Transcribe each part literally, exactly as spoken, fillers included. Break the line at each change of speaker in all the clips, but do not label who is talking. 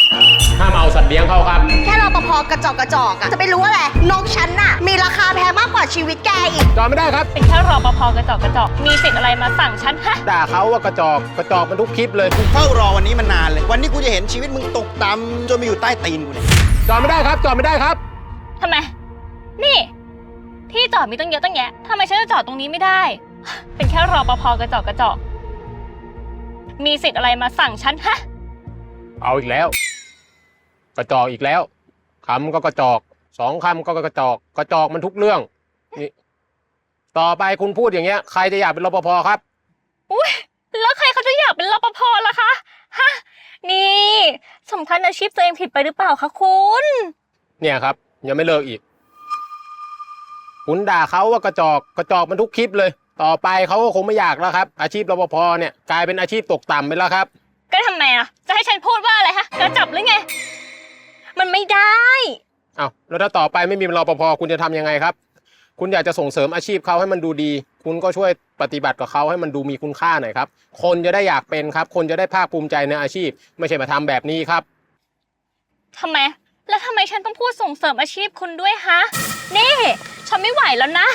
ห้ามเอาสัตว์เลี้ยงเข้าครับ
แค่รปภกระจอกกระจอกอะจะไปรู้อะไรนกฉันน่ะมีราคาแพงมากกว่าชีวิตแกอีก
จอดไม่ได้ครับ
เป็นแค่รปภกระจอกกระจอกมีสิทธิ์อะไรมาสั่งฉันฮะ
ด่าเขาว่ากระจอกกระจอกมันทุกคลิปเลย
กูเฝ้ารอวันนี้มานานเลยวันนี้กูจะเห็นชีวิตมึงตกต่ำจนมาอยู่ใต้ตีนกูเนี่ย
จอดไม่ได้ครับจอดไม่ได้ครับ
ทำไมนี่ที่จอดมีตั้งเยอะตั้งแยะทำไมฉันจะจอดตรงนี้ไม่ได้เป็นแค่รปภกระจอกกระจอกมีสิทธิ์อะไรมาสั่งฉันฮะ
เอาอีกแล้วกระจอกอีกแล้วคำก็กระจอกสองคำก็กระจอกกระจอกมันทุกเรื่องนี่ต่อไปคุณพูดอย่างเงี้ยใครจะอยากเป็นรปภครับ
อุ้ยแล้วใครเขาจะอยากเป็นรปภล่ะคะฮะนี่สำคัญอาชีพตัวเองผิดไปหรือเปล่าคะคุณ
เนี่ยครับยังไม่เลิกอีกคุณด่าเขาว่ากระจอกกระจอกมันทุกคลิปเลยต่อไปเขาก็คงไม่อยากแล้วครับอาชีพรปภเนี่ยกลายเป็นอาชีพตกต่ำไปแล้วครับ
ก็ทำไมอ่ะจะให้ฉันพูดว่าอะไรฮะกระจับหรือไงมันไม่ได้
อ้าวแล้วถ้าต่อไปไม่มีรปภคุณจะทำยังไงครับคุณอยากจะส่งเสริมอาชีพเขาให้มันดูดีคุณก็ช่วยปฏิบัติกับเขาให้มันดูมีคุณค่าหน่อยครับคนจะได้อยากเป็นครับคนจะได้ภาคภูมิใจในอาชีพไม่ใช่มาทำแบบนี้ครับ
ทำไมแล้วทำไมฉันต้องพูดส่งเสริมอาชีพคุณด้วยฮะนี่ฉันไม่ไหวแล้วนะ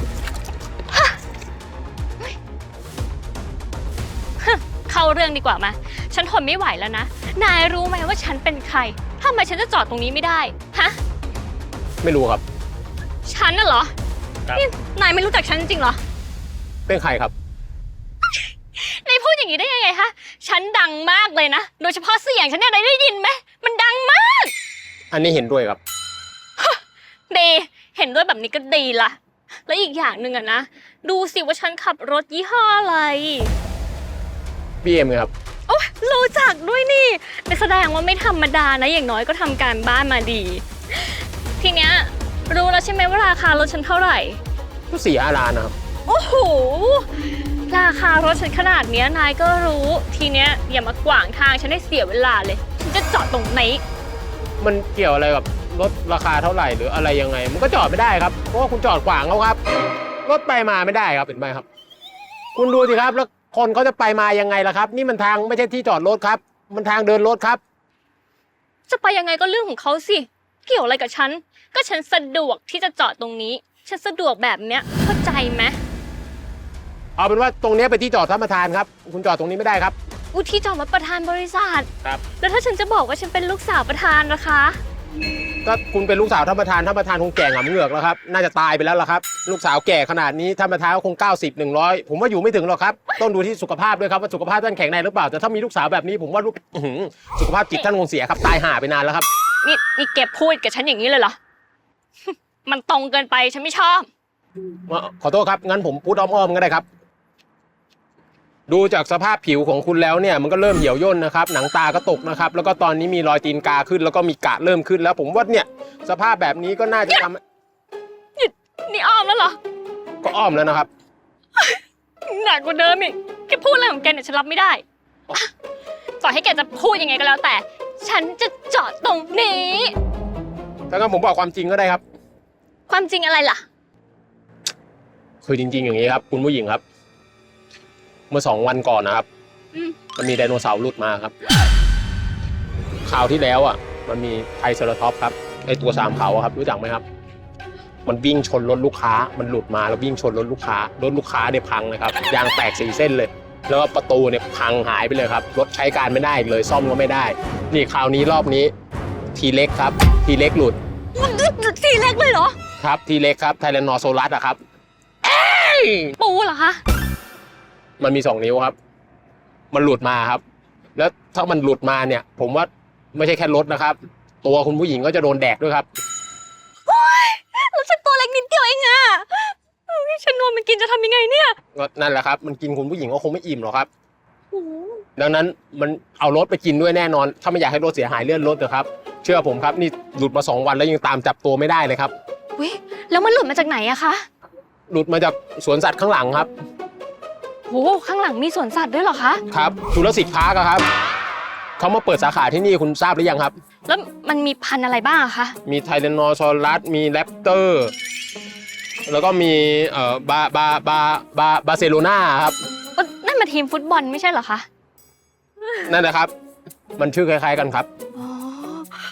เข้าเรื่องดีกว่ามาฉันทนไม่ไหวแล้วนะนายรู้ไหมว่าฉันเป็นใครทำไมฉันจะจอดตรงนี้ไม่ได้ฮะ
ไม่รู้ครับ
ฉันน่ะเหรอนี่นายไม่รู้จักฉันจริงเหรอ
เป็นใครครับ
นายพูดอย่างนี้ได้ยังไงฮะฉันดังมากเลยนะโดยเฉพาะเสียงฉันเนี่ยนายได้ยินไหมมันดังมาก
อันนี้เห็นด้วยครับ
ดีเห็นด้วยแบบนี้ก็ดีละแล้วอีกอย่างหนึ่งอะนะดูสิว่าฉันขับรถยี่ห้ออะไร
บี เอ็ม ครับ
โอ้รู้จักด้วยนี่แสดงว่าไม่ธรรมดานะอย่างน้อยก็ทำการบ้านมาดีทีเนี้ยรู้แล้วใช่ไหมว่าราคารถฉันเท่าไหร่
ก็สี่ห้าล้านนะครับ
โอ้โหราคารถฉันขนาดเนี้ยนายก็รู้ทีเนี้ยอย่ามากวางทางฉันให้เสียเวลาเลยฉันจะจอดตรงไหน
มันเกี่ยวอะไรกับรถราคาเท่าไหร่หรืออะไรยังไงมันก็จอดไม่ได้ครับเพราะว่าคุณจอดขวางเขาครับรถไปมาไม่ได้ครับเห็นไหมครับคุณดูสิครับแล้วคนเขาจะไปมายังไงล่ะครับนี่มันทางไม่ใช่ที่จอดรถครับมันทางเดินรถครับ
จะไปยังไงก็เรื่องของเขาสิเกี่ยวอะไรกับฉันก็ฉันสะดวกที่จะจอดตรงนี้ฉันสะดวกแบบเนี้ยเข้าใจไหม
เอาเป็นว่าตรงนี้เป็นที่จอดท่านประธานครับคุณจอดตรงนี้ไม่ได้ครับ
อุที่จอดมาประธานบริษัท
ครับ
แล้วถ้าฉันจะบอกว่าฉันเป็นลูกสาวประธานนะคะ
ก็คุณเป็นลูกสาวท่านประธานท่านประธานคงแก่หงำเหงือกแล้วครับน่าจะตายไปแล้วล่ะครับลูกสาวแก่ขนาดนี้ท่านประธานก็คงเก้าสิบ หนึ่งร้อยผมว่าอยู่ไม่ถึงหรอกครับต้องดูที่สุขภาพด้วยครับว่าสุขภาพท่านแข็งแรงหรือเปล่าแต่ถ้ามีลูกสาวแบบนี้ผมว่าลูกสุขภาพจิตท่านคงเสียครับตายห่าไปนานแล้วครับ
นี่นี่เก็บพูดกับฉันอย่างนี้เลยเหรอมันตรงเกินไปฉันไม่ชอบ
ขอโทษครับงั้นผมพูดอ้อมๆก็ได้ครับดูจากสภาพผิวของคุณแล้วเนี่ยมันก็เริ่มเหี่ยวย่นนะครับหนังตาก็ตกนะครับแล้วก็ตอนนี้มีรอยตีนกาขึ้นแล้วก็มีกระเริ่มขึ้นแล้วผมว่าเนี่ยสภาพแบบนี้ก็น่าจะทำ
นี่นี่อ้อมแล้วเหรอ
ก็อ้อมแล้วนะครับ
หนักกว่าเดิมอีกแกพูดอะไรของแกเนี่ยฉันรับไม่ได้ต่อให้แกจะพูดยังไงก็แล้วแต่ฉันจะจอดตรงนี้
ถ้างั้นผมบอกความจริงก็ได้ครับ
ความจริงอะไรล่ะ
คือจริงๆอย่างนี้ครับคุณผู้หญิงครับเมื่อสองวันก่อนนะครับมันมีไดโนเสาร์หลุดมาครับคราวที่แล้วอ่ะมันมีไทรเซราทอปส์ครับไอตัวสามเขาครับรู้จักไหมครับมันวิ่งชนรถลูกค้ามันหลุดมาแล้ววิ่งชนรถลูกค้ารถลูกค้าเนี่ยพังนะครับยางแตกสี่เส้นเลยแล้วก็ประตูเนี่ยพังหายไปเลยครับรถใช้การไม่ได้เลยซ่อมก็ไม่ได้นี่คราวนี้รอบนี้ทีเล็กครับทีเล็กหลุด
ทีเล็กเลยเหรอ
ครับทีเล็กครับไทแรนนอโซลัสอะครับ
ปูเหรอคะ
มันมีสองนิ้วครับมันหลุดมาครับแล้วถ้ามันหลุดมาเนี่ยผมว่าไม่ใช่แค่รถนะครับตัวคุณผู้หญิงก็จะโดนแดกด้วยครับ
โอ๊ยแล้วฉันตัวเล็กนิดเดียวเองอะฉันโดนมันกินจะทำยังไงเนี่ย
ก็นั่นแหละครับมันกินคุณผู้หญิงก็คงไม่อิ่มหรอกครับดังนั้นมันเอารถไปกินด้วยแน่นอนถ้าไม่อยากให้รถเสียหายเลื่อนรถเถอะครับเชื่อผมครับนี่หลุดมาสองวันแล้วยังตามจับตัวไม่ได้เลยครับ
เว้ยแล้วมันหลุดมาจากไหนอะคะ
หลุดมาจากสวนสัตว์ข้างหลังครับ
โหข้างหลังมีสวนสัตว์ด้วยเหรอคะ
ครับจุลศิษย์พาร์คครับเขามาเปิดสาขาที่นี่คุณทราบหรือยังครับ
แล้วมันมีพันธุ์อะไรบ้างคะ
มีไทแรนนอซอรัสมีแรปเตอร์แล้วก็มีเอ่อบาบาบาบาบาร์เซโลนาครับ
นั่นมาทีมฟุตบอลไม่ใช่เหรอคะ
นั่นแหละครับมันชื่อคล้ายๆกันครับ
อ๋อ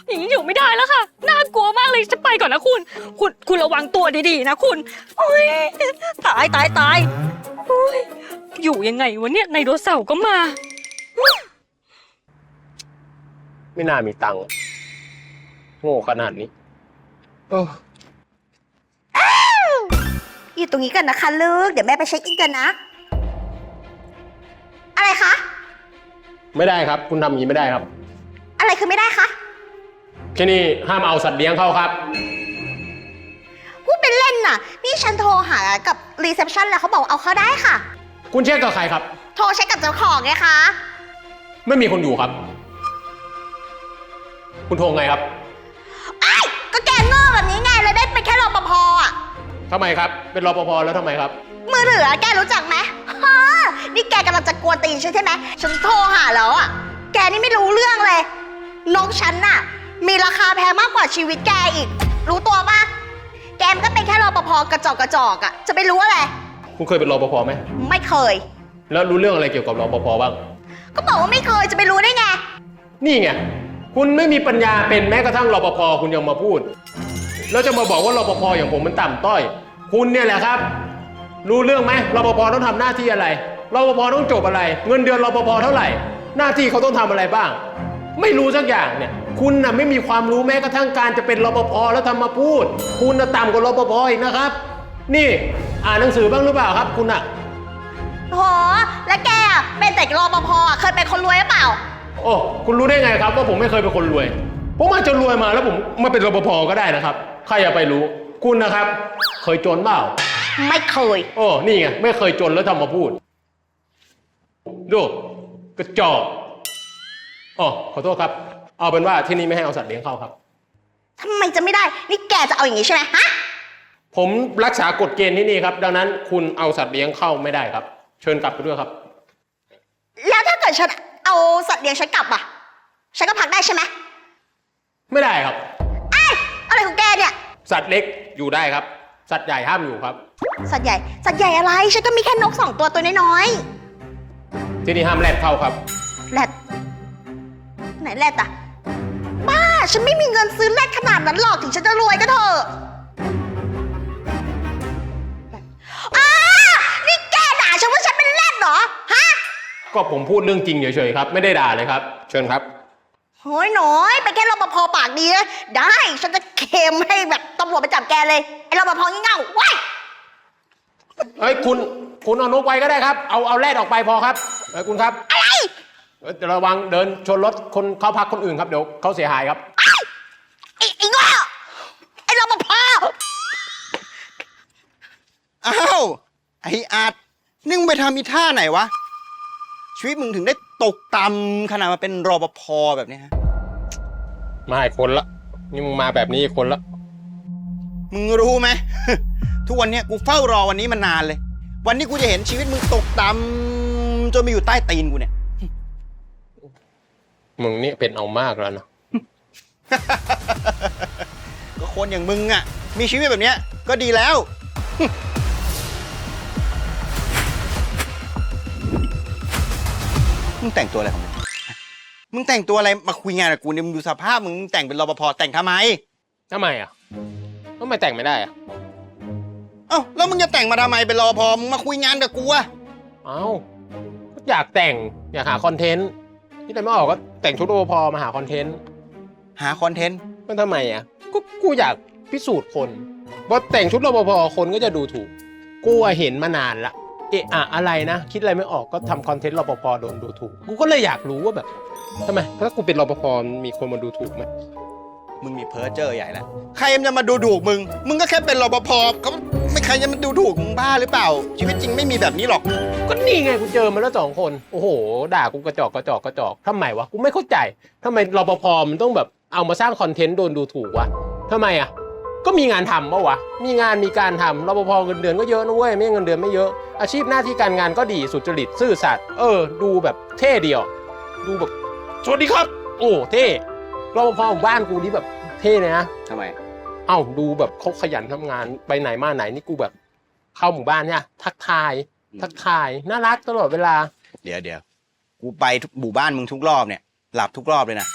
อย่างนี้อยู่ไม่ได้แล้วค่ะน่ากลัวมากเลยจะไปก่อนนะคุณ คุณคุณระวังตัวดีๆนะคุณโอ้ยตายตายตายโอ้ยอยู่ยังไงวะเนี่ยไดโนเสาร์ก็มา
ไม่น่ามีตังค์โง่ขนาดนี้เออ
อยู่ตรงนี้กันนะคะลูก เดี๋ยวแม่ไปเช็คอินกันนะ อะไรคะ
ไม่ได้ครับ คุณทำอย่างนี้ไม่ได้ครับ
อะไรคือไม่ได้คะ
ที่นี่ห้ามเอาสัตว์เลี้ยงเข้าครับ
พูดเป็นเล่นน่ะ นี่ฉันโทรหากับรีเซพชันแล้วเขาบอกเอาเข้าได้ค่ะ
คุณเช็คกับใครครับ
โทรเช็คกับเจ้าของไงคะ
ไม่มีคนอยู่ครับ คุณโทรไงครับ
ไอ้ยก็แกโง่แบบนี้ไงเลยได้เป็นแค่รปภอ่ะ
ทำไมครับ เป็นรปภแล้วทำไมครับ
มือถือแกรู้จักไหมฮะนี่แกกำลังจะกวนตีนฉันใช่ไหมฉันโทรหาแล้วอ่ะ แกนี่ไม่รู้เรื่องเลย น้องฉันน่ะ มีราคาแพงมากกว่าชีวิตแกอีก รู้ตัวปะแกมันก็เป็นแค่รปภกระจอกกระจอกอ่ะ จะไปรู้อะไร
คุณเคยเป็นรปภไหม
ไม่เคย
แล้วรู้เรื่องอะไรเกี่ยวกับรปภบ้าง
ก็บอกว่าไม่เคยจะไปรู้ได้ไง
นี่ไง คุณไม่มีปัญญาเป็นแม้กระทั่งรปภคุณยังมาพูด แล้วจะมาบอกว่ารปภอย่างผมมันต่ำต้อย คุณเนี่ยแหละครับ รู้เรื่องไหมรปภต้องทำหน้าที่อะไรรปภต้องจบอะไร เงินเดือนรปภเท่าไหร่ หน้าที่เขาต้องทำอะไรบ้าง ไม่รู้สักอย่างเนี่ย คุณน่ะไม่มีความรู้แม้กระทั่งการจะเป็นรปภแล้วทำมาพูด คุณน่ะต่ำกว่ารปภอีกนะครับ นี่อ่านหนังสือบ้างหรือเปล่าครับ คุณน่ะ
โห แล้วแกอ่ะเป็นแต่รปภอ่ะเคยเป็นคนรวยหรือเปล่า
โอ้คุณรู้ได้ไงครับว่าผมไม่เคยเป็นคนรวย ผมอาจจะรวยมาแล้วผมมาเป็นรปภก็ได้นะครับ ใครจะไปรู้ คุณนะครับ เคยจนเปล่า
ไม่เคย
โอ้นี่ไงไม่เคยจนแล้วทำมาพูด ดูกระจอกอ๋อขอโทษครับ เอาเป็นว่าที่นี่ไม่ให้เอาสัตว์เลี้ยงเข้าครับ
ทำไมจะไม่ได้ นี่แกจะเอาอย่างนี้ใช่ไหมฮะ
ผมรักษากฎเกณฑ์ที่นี่ครับ ดังนั้นคุณเอาสัตว์เลี้ยงเข้าไม่ได้ครับ เชิญกลับไปด้วยครับ
แล้วถ้าเกิดฉันเอาสัตว์เลี้ยงฉันกลับอ่ะ ฉันก็พักได้ใช่ไหม
ไม่ได้ครับ
ไอ้ยอะไรของแกเนี่ย
สัตว์เล็กอยู่ได้ครับ สัตว์ใหญ่ห้ามอยู่ครับ
สัตว์ใหญ่ สัตว์ใหญ่อะไร ฉันก็มีแค่นกสองตัวตัวน้อย
ที่นี่ห้ามแรดเข้าครับ
ๆแรดไหนแรดอ่ะ บ้า ฉันไม่มีเงินซื้อแรดขนาดนั้นหรอก ถึงฉันจะรวยก็เถอะอ้านี่แกด่าฉันว่าฉันเป็นแรดเหรอ ฮะ
ก็ผมพูดเรื่องจริงเฉยๆครับ ไม่ได้ด่าเลยครับ เชิญครับ
โอ้ยหน่อยเป็นแค่รปภปากดีนะได้ ฉันจะเคลมให้แบบตำรวจไปจับแกเลย ไอ้รปภงี่เง่าว้าย
เฮ้ยคุณคุณเอานกไว้ก็ได้ครับ เอาเอาแรดออกไปพอครับเฮ้ยคุณครับ
อะไร
เอ้ยระวังเดินชนรถคนเข้าพักคนอื่นครับเดี๋ยวเขาเสียหายครับ
ไอ้ไอ้โง่ไอ้รปภ
อ้าว ไออาจนี่มึงไปทำอีท่าไหนวะ ชีวิตมึงถึงได้ตกต่ำขนาดมาเป็นรปภแบบนี้ฮะ
มาอีกคนละนี่มึงมาแบบนี้อีกคนละ
มึงรู้ไหม ทุกวันเนี้ยกูเฝ้ารอวันนี้มานานเลย วันนี้กูจะเห็นชีวิตมึงตกต่ำจนมาอยู่ใต้ตีนกูเนี่ย
มึงนี่เป็นเอามากแล้วเนาะ
ก็คนอย่างมึงอ่ะ มีชีวิตแบบเนี้ยก็ดีแล้ว มึงแต่งตัวอะไรของมึง มึงแต่งตัวอะไรมาคุยงานกับกูเนี่ยมึงดูสภาพมึงมึงแต่งเป็นรปภแต่งทำไม
ทำไมอ่ะทำไมแต่งไม่ได้อ่ะ
เอ้าแล้วมึงจะแต่งมาทำไมเป็นรปภมึงมาคุยงานกับกูอะ
เอ้าก็อยากแต่งอยากหาคอนเทนต์ที่ไหนไม่ออกก็แต่งชุดโอพอมาหาคอนเทนต์
หาคอนเทนต์
มันทำไมอ่ะก็กูอยากพิสูจน์คนว่าแต่งชุดรปภคนก็จะดูถูกกูอะเห็นมานานละเอะอะอะไรนะคิดอะไรไม่ออกก็ทำคอนเทนต์รปภโดนดูถูกกูก็เลยอยากรู้ว่าแบบทำไมถ้ากูเป็นรปภมีคนมาดูถูกไหม
มึงมีเพ้อเจอใหญ่แล้วใครมันจะมาดูถูกมึง มึงก็แค่เป็นรปภเขาไม่ใครจะมาดูถูกมึงบ้าหรือเปล่า ชีวิตจริงไม่มีแบบนี้หรอก
ก็นี่ไงกูเจอมาแล้วสองคนโอ้โหด่ากูกระจอกกระจอกกระจอกทำไมวะกูไม่เข้าใจทำไมรปภมันต้องแบบเอามาสร้างคอนเทนต์โดนดูถูกวะทำไมอ่ะก็มีงานทำปะวะมีงานมีการทำรปภเงินเดือนก็เยอะนะเว้ยไม่เงินเดือนไม่เยอะอาชีพหน้าที่การงานก็ดีสุจริตซื่อสัตย์เออดูแบบเท่เดียวดูแบบสวัสดีครับโอ้เท่รปภของบ้านกูนี่แบบเท่เลยนะ
ทำไม
เอ้าดูแบบเขาขยันทำงานไปไหนมาไหนนี่กูแบบเข้าหมู่บ้านเนี่ยทักทายทักทายน่ารักตลอดเวลา
เดี๋ยวเดี๋ยวกูไปทุกหมู่บ้านมึงทุกรอบเนี่ย หลับทุกรอบเลยนะ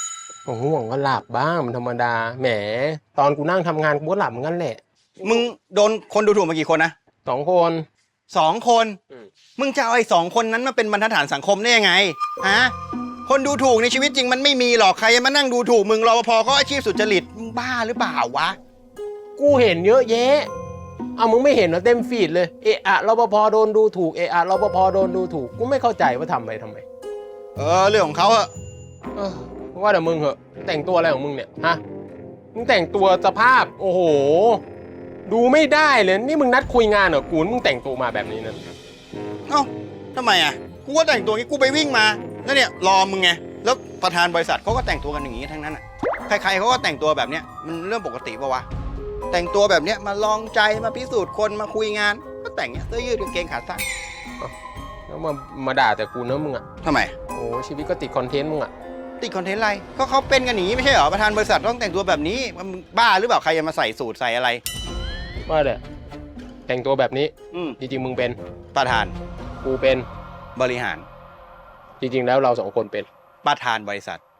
โอ้โหห่วงก็หลับบ้างมันธรรมดา แหม ตอนกูนั่งทำงานกูก็หลับเหมือนกันแหละ
มึงโดนคนดูถูกมากี่คนนะ
สองคน
สองคน
อืม
มึงจะเอาไอ้สองคนนั้นมาเป็นบรรทัดฐานสังคมได้ยังไงฮะคนดูถูกในชีวิตจริงมันไม่มีหรอกใครจะมานั่งดูถูกมึงรปภก็อาชีพสุจริตมึงบ้าหรือเปล่าวะ
กูเห็นเยอะแยะ เอามึงไม่เห็นเหรอเต็มฟีดเลย เอะอะรปภโดนดูถูก เอะอะรปภโดนดูถูก กูไม่เข้าใจว่าทำไปทำไม
เออเรื่องของเขาอะ
เออว่าแต่มึงเหอะแต่งตัวอะไรของมึงเนี่ยฮะมึงแต่งตัวสภาพโอ้โห ดูไม่ได้เลยนี่มึงนัดคุยงานเหรอกูมึงแต่งตัวมาแบบนี้นั่น
เอ้าทำไมอะกูก็แต่งตัวงี้กูไปวิ่งมาแล้วเนี่ยรอมึงไงแล้วประธานบริษัทเขาก็แต่งตัวกันอย่างนี้ทั้งนั้นอะใครๆเขาก็แต่งตัวแบบเนี้ยมันเรื่องปกติปะวะแต่งตัวแบบเนี้ยมาลองใจมาพิสูจน์คนมาคุยงานก็แต่งเนี้ยเสื้อยืดกางเกงขาสั้น
แล้วมามาด่าแต่กูเนอะมึงอ่ะ
ทำไม
โอ้ชีวิตก็ติดคอนเทนต์มึงอ่ะ
ติดคอนเทนต์อะไรก็เขาเป็นกันอย่างนี้ไม่ใช่เหรอประธานบริษัทต้องแต่งตัวแบบนี้มันบ้าหรือเปล่าใครจะมาใส่สูทใส่อะไร
ว่าแต่แต่งตัวแบบนี้
อืม
จริงๆมึงเป็น
ประธาน
กูเป็น
บริหาร
จริง ๆ แล้วเราสองคนเป็น
ประธานบริษัท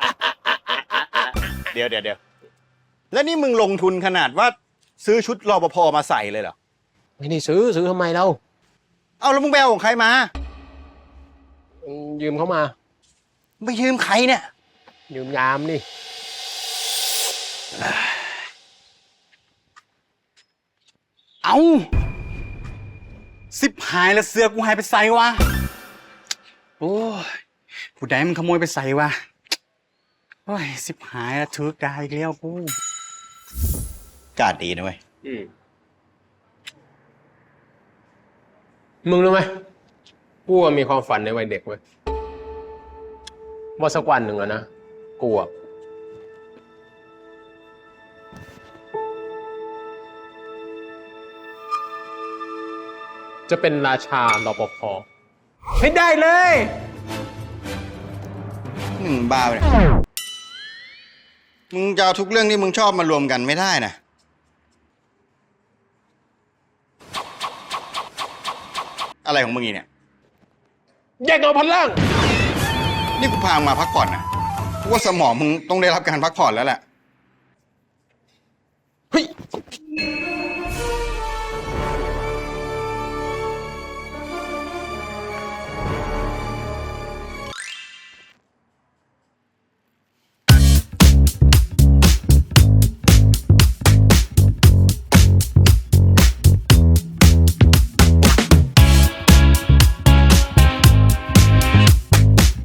เดี๋ยวเดี๋ยวเดี๋ยวแล้วนี่มึงลงทุนขนาดว่าซื้อชุดรปภมาใส่เลยเหรอ
ไม่ได้ซื้อซื้อทำไมเรา
เอาแล้วมึงไปเอาของใครมา
ยืมเขามา
ไปยืมใครเนี่ย
ยืมยามนี่
เอาสิบหายแล้วเสือกูหายไปใส่วะ โอ้ยผู้ใดมันขโมยไปใส่วะ โอ้ยสิบหายแล้วถือกายอีกแล้วกู
กาดดีนะเว้ย
อืมมึงรู้ไหมกูอะมีความฝันในวัยเด็กเว้ยว่าสักวันหนึ่งอะนะกูอะจะเป็นราชารปภให้ได้เลย
มึงบ้าไปเนี่ยมึงจะเอาทุกเรื่องที่มึงชอบมารวมกันไม่ได้นะ อะไรของมึงอีเนี่ย
แยกเอาพันล่าง
นี่กูพามึงมาพักผ่อนนะกูว่าสมองมึงต้องได้รับการพักผ่อนแล้วแหละ
เฮ้ย